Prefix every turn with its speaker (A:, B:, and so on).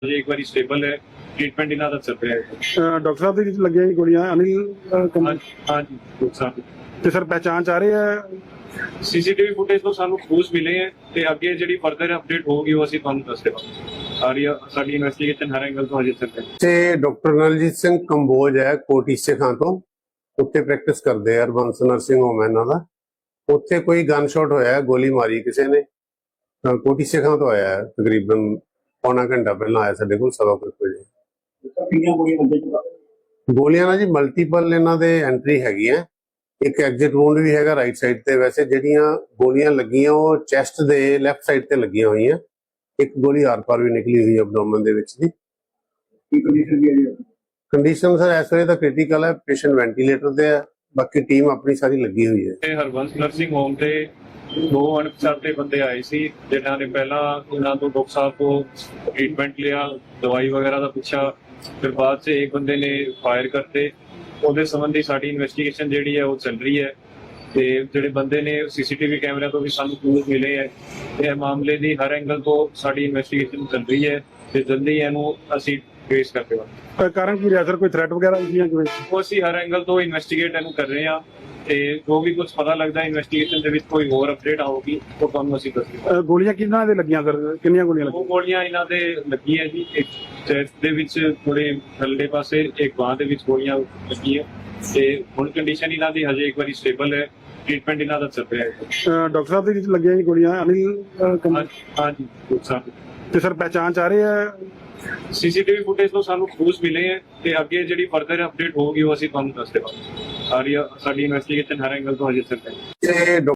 A: ਜੇ ਇੱਕ ਵਾਰੀ ਸਟੇਬਲ ਹੈ ਟ੍ਰੀਟਮੈਂਟ ਇਹਨਾਂ ਦਾ ਚੱਲ ਰਿਹਾ ਹੈ।
B: ਡਾਕਟਰ ਸਾਹਿਬ ਦੇ ਵਿੱਚ ਲੱਗੀਆਂ ਜੀ ਗੋਲੀਆਂ ਅਨਿਲ
A: ਹਾਂਜੀ ਨੁਕਸਾਨ
B: ਤੇ ਸਰ ਪਹਿਚਾਣ ਚ ਆ ਰਹੇ ਆ
A: ਸੀਸੀਟੀਵੀ ਫੁਟੇਜ ਤੋਂ ਸਾਨੂੰ ਕਲੂਸ ਮਿਲੇ ਹੈ ਤੇ ਅੱਗੇ ਜਿਹੜੀ ਫਰਦਰ ਅਪਡੇਟ ਹੋਊਗੀ ਉਹ ਅਸੀਂ ਤੁਹਾਨੂੰ ਦੱਸ ਦੇਵਾਂਗੇ। ਸਾਡੀ ਇਨਵੈਸਟੀਗੇਸ਼ਨ ਹਰ ਐਂਗਲ ਤੋਂ ਹਜੇ ਚੱਲ ਰਹੀ ਹੈ।
C: ਤੇ ਡਾਕਟਰ ਨਲਜੀਤ ਸਿੰਘ ਕੰਬੋਜ ਹੈ ਕੋਟੀ ਸਿੱਖਾਂ ਤੋਂ, ਉੱਥੇ ਪ੍ਰੈਕਟਿਸ ਕਰਦੇ ਆ ਹਰਬੰਸ ਨਰਸਿੰਗ ਹੋਮ ਇਹਨਾਂ ਦਾ। ਉੱਥੇ ਕੋਈ ਗਨ ਸ਼ਾਟ ਹੋਇਆ, ਗੋਲੀ ਮਾਰੀ ਕਿਸੇ ਨੇ। ਕੋਟੀ ਸਿੱਖਾਂ ਤੋਂ ਆਇਆ ਹੈ, ਤਕਰੀਬਨ ਪੌਣਾ ਘੰਟਾ ਪਹਿਲਾਂ ਆਇਆ ਸਾਡੇ ਕੋਲ 7:30 ਵਜੇ। ਗੋਲੀਆਂ ਨਾਲ ਜੀ ਮਲਟੀਪਲ ਇਹਨਾਂ ਦੇ ਐਂਟਰੀ ਹੈਗੀ ਹੈ। ਇੱਕ ਐਗਜ਼ਿਟ ਵੂੰਡ ਵੀ ਹੈਗਾ ਰਾਈਟ ਸਾਈਡ ਤੇ। ਵੈਸੇ ਜਿਹੜੀਆਂ ਗੋਲੀਆਂ ਲੱਗੀਆਂ ਉਹ ਚੈਸਟ ਦੇ ਲੈਫਟ ਸਾਈਡ ਤੇ ਲੱਗੀਆਂ ਹੋਈਆਂ। ਇੱਕ ਗੋਲੀ ਆਰ-ਪਾਰ ਵੀ ਨਿਕਲੀ ਹੋਈ ਹੈ ਐਬਡੋਮਨ ਦੇ ਵਿੱਚ ਦੀ। ਕੰਡੀਸ਼ਨ ਸਰ ਇਸ ਵੇਲੇ ਤਾਂ ਕ੍ਰਿਟੀਕਲ ਹੈ, ਪੇਸ਼ੈਂਟ ਵੈਂਟੀਲੇਟਰ ਤੇ ਹੈ। ਬਾਕੀ ਟੀਮ ਆਪਣੀ ਸਾਰੀ ਲੱਗੀ ਹੋਈ ਹੈ।
A: ਇਹ ਹਰਬੰਸ ਨਰਸਿੰਗ ਹੋਮ ਤੇ 2 ਅਣਪਛਾਤੇ ਬੰਦੇ ਆਏ ਸੀ ਜਿਨ੍ਹਾਂ ਨੇ ਪਹਿਲਾਂ ਇਹਨਾਂ ਤੋਂ ਡਾਕਟਰ ਸਾਹਿਬ ਤੋਂ ट्रीटमेंट लिया, दवाई वगैरह का पूछा, फिर बाद से एक बंदे ने फायर करते। ਉਹਦੇ ਸੰਬੰਧੀ ਸਾਡੀ ਇਨਵੈਸਟੀਗੇਸ਼ਨ ਜਿਹੜੀ ਹੈ ਉਹ ਚੱਲ ਰਹੀ ਹੈ ਤੇ ਜਿਹੜੇ ਬੰਦੇ ਨੇ ਸੀਸੀਟੀਵੀ ਕੈਮਰਿਆਂ ਤੋਂ ਵੀ ਸਾਨੂੰ ਕਲੂਜ਼ ਮਿਲੇ ਹੈ ਤੇ ਇਹ ਮਾਮਲੇ ਦੀ ਹਰ ਐਂਗਲ ਤੋਂ ਸਾਡੀ ਇਨਵੈਸਟੀਗੇਸ਼ਨ ਚੱਲ ਰਹੀ ਹੈ ਤੇ ਜਲਦੀ ਇਹਨੂੰ ਅਸੀਂ ਫੇਸ ਕਰਦੇ ਹਾਂ।
B: ਕਾਰਨ ਕੀ ਰਿਹਾ ਸਰ, ਕੋਈ ਥ੍ਰੈਟ ਵਗੈਰਾ ਹੁੰਦੀਆਂ ਕਿਵੇਂ?
A: ਉਹ ਅਸੀਂ ਹਰ ਐਂਗਲ ਤੋਂ ਇਨਵੈਸਟੀਗੇਟ ਇਹਨੂੰ ਕਰ ਰਹੇ ਹਾਂ ਤੇ ਜੋ ਵੀ ਕੁਝ ਪਤਾ ਲੱਗਦਾ ਇਨਵੈਸਟੀਗੇਸ਼ਨ ਦੇ ਵਿੱਚ ਕੋਈ ਹੋਰ ਅਪਡੇਟ ਆਊਗੀ ਉਹ ਤੁਹਾਨੂੰ ਅਸੀਂ ਦੱਸਾਂਗੇ।
B: ਗੋਲੀਆਂ ਕਿਹਨਾਂ ਦੇ ਲੱਗੀਆਂ ਸਰ, ਕਿੰਨੀਆਂ ਗੋਲੀਆਂ
A: ਉਹ
B: ਲੱਗੀਆਂ?
A: ਗੋਲੀਆਂ ਇਹਨਾਂ ਦੇ ਲੱਗੀਆਂ ਜੀ, ਇੱਕ ਚੈਸਟ ਦੇ ਵਿੱਚ ਥੋੜੇ ਥੱਲੇ ਪਾਸੇ, ਇੱਕ ਬਾਂਹ ਦੇ ਵਿੱਚ ਗੋਲੀਆਂ ਲੱਗੀਆਂ ਤੇ ਹੁਣ ਕੰਡੀਸ਼ਨ ਇਹਨਾਂ ਦੀ ਹਜੇ ਇੱਕ ਵਾਰੀ ਸਟੇਬਲ ਹੈ, ਟ੍ਰੀਟਮੈਂਟ ਇਹਨਾਂ ਦਾ ਚੱਲ ਰਿਹਾ ਹੈ।
B: ਡਾਕਟਰ ਸਾਹਿਬ ਦੇ ਵਿੱਚ ਲੱਗੀਆਂ ਜੀ ਗੋਲੀਆਂ ਅਨਿਲ
A: ਹਾਂਜੀ ਨੁਕਸਾਨ
B: ਤੇ ਸਰ ਪਹਿਚਾਣ ਚ ਆ ਰਹੇ ਆ
A: ਸੀਸੀਟੀਵੀ ਫੁਟੇਜ ਤੋਂ ਸਾਨੂੰ ਕਲੂਜ਼ ਮਿਲੇ ਹੈ ਤੇ ਅੱਗੇ ਜਿਹੜੀ ਫਰਦਰ ਅਪਡੇਟ ਹੋਊਗੀ ਉਹ ਅਸੀਂ ਤੁਹਾਨੂੰ ਦੱਸ ਦੇਵਾਂਗੇ। ਸਾਡੀ ਇਨਵੈਸਟੀਗੇਸ਼ਨ ਹਰ ਐਂਗਲ ਤੋਂ ਹਜੇ ਚੱਲ ਰਹੀ ਹੈ।
C: ਤੇ